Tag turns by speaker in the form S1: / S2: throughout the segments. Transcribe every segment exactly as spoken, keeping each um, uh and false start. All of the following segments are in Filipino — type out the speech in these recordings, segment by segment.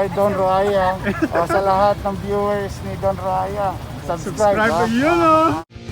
S1: kay Don Roaya. O sa lahat ng viewers ni Don Roaya, subscribe.
S2: Subscribe
S1: ha?
S2: to yun, oh.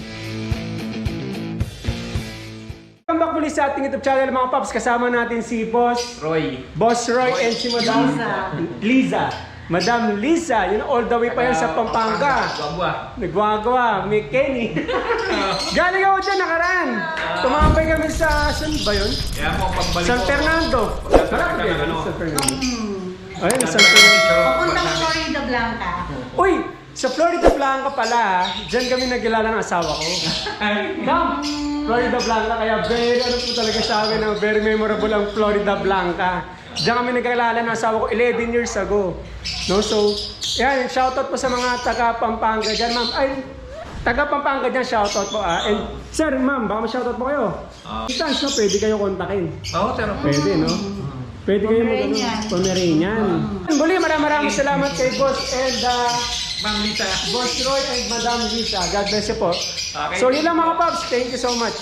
S2: Welcome back muli sa ating YouTube channel mga paps. Kasama natin si Boss
S3: Roy.
S2: Boss Roy, and si Madam Liza. Madam Liza, yun all the way pa yan sa Pampanga.
S3: Guagua.
S2: Nagwagawa, may Kenny. Galing ako dyan nakaraan. Tumambay kami sa, saan ba yun?
S3: Kaya mo pagbalik
S2: San
S3: ko.
S2: Fernando.
S3: San
S2: Malapit
S3: Fernando,
S2: yun,
S3: ano?
S2: San Fernando. Ayun,
S3: San
S2: San Fernando.
S4: Papuntang Florida Blanca.
S2: Uy, sa Florida Blanca pala, dyan kami nagkilala ng asawa ko. Come! Florida Blanca, kaya very ano po talaga sa akin, na very memorable ang Florida Blanca. Diyan kami nagkilala ng asawa ko eleven years ago. No, so, yan, shoutout po sa mga taga Pampanga dyan, ma'am. Ay, taga Pampanga dyan, shoutout po ah. And, sir, ma'am, baka ma-shoutout po kayo.
S3: Ah.
S2: Chance, no, pwede kayo kontakin.
S3: Oo, pero
S2: Pwede, no? Pwede kayo mag
S4: Pomeranian.
S2: Pomeranian. Muli, maraming maraming salamat kay Boss and uh,
S3: Ma'am Lita.
S2: Boss Roy and Madam Lisa. God bless you po.
S3: Okay.
S2: So yun lang mga paps. Thank you so much.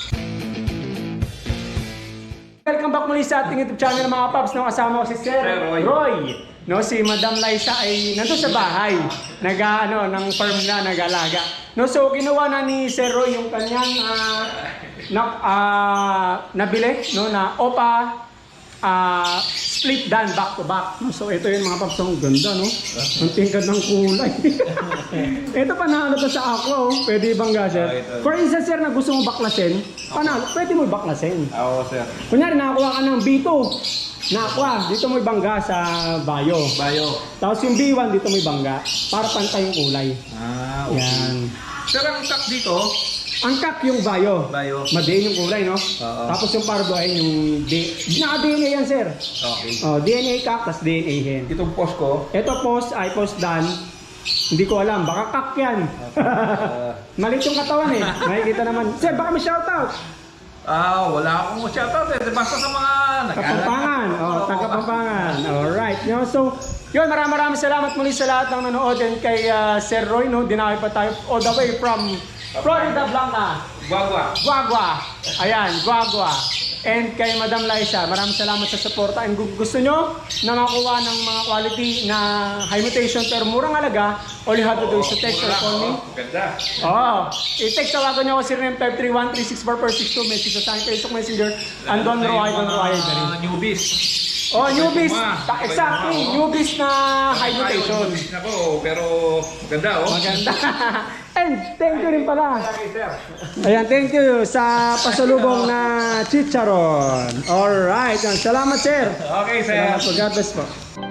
S2: Welcome back muli sa ating YouTube channel mga paps. No, kasama ko si Sir
S3: Sir Roy.
S2: Roy. No, si Madam Liza ay nandun sa bahay. Nag ano, ng farm na nag-alaga. No, so ginawa na ni Sir Roy yung kanyang uh, na, uh, nabili no na Opa Ah, split dan back to back. No? So ito yung mga paps, ang ganda, no? Ang tingkad ng kulay. Ito panalo to sa aqua, oh. Pwede bangga, sir?
S3: Ah, ito.
S2: For instance, sir, na gusto mo baklasin, panalo, pwede mo baklasin.
S3: Oo, sir.
S2: Kunyari, nakakuha ka ng B two, na aqua, dito mo ibangga sa bio.
S3: Bayo.
S2: Tapos yung B one, dito mo ibangga, para pantay yung kulay.
S3: Ah, okay.
S2: Yan.
S3: Sir, ang tak dito,
S2: Ang kak yung bio.
S3: Bio.
S2: Madiin yung kulay, no?
S3: Oo.
S2: Tapos yung pardo ay yung D. Naka-D N A yan, sir.
S3: okay.
S2: Oh, D N A kak, tas D N A hen.
S3: Itong post ko,
S2: Ito post ay post dan. Hindi ko alam, baka kak yan.
S3: uh,
S2: Malit yung katawan eh. Makikita naman. Sir, baka may shoutout.
S3: ah, wala akong shoutout eh. Basta sa mga
S2: Kapampangan. Oh, taga-Kapampangan. Alright. No? So, yun, maraming maraming salamat muli sa lahat ng nanood and kay uh, Sir Roy. No? Dinawi pa tayo all the way from Florida Blanca.
S3: Guagua.
S2: Guagua. Ayan, Guagua. And kay Madam Liza, maraming salamat sa suporta. And kung gusto nyo na makuha ng mga quality na high mutation pero murang halaga, all you have to do is to text or call me.
S3: Ganda.
S2: Oo. I-text, tawagan nyo ako zero nine five three one three six four four six two. Message sa aking Facebook Messenger. And Don Roy, Don Roy.
S3: Mga newbies.
S2: Oh, newbies.
S3: Tuma.
S2: Ta- Exactly.
S3: Oo.
S2: Newbies na high mutation.
S3: Newbies na ko, pero maganda oh.
S2: Maganda. And thank you rin pala.
S3: Okay, sir.
S2: Ayan, thank you sa pasalubong na chicharon. Alright. Salamat, sir.
S3: Okay, sir.
S2: Salamat po. God bless po.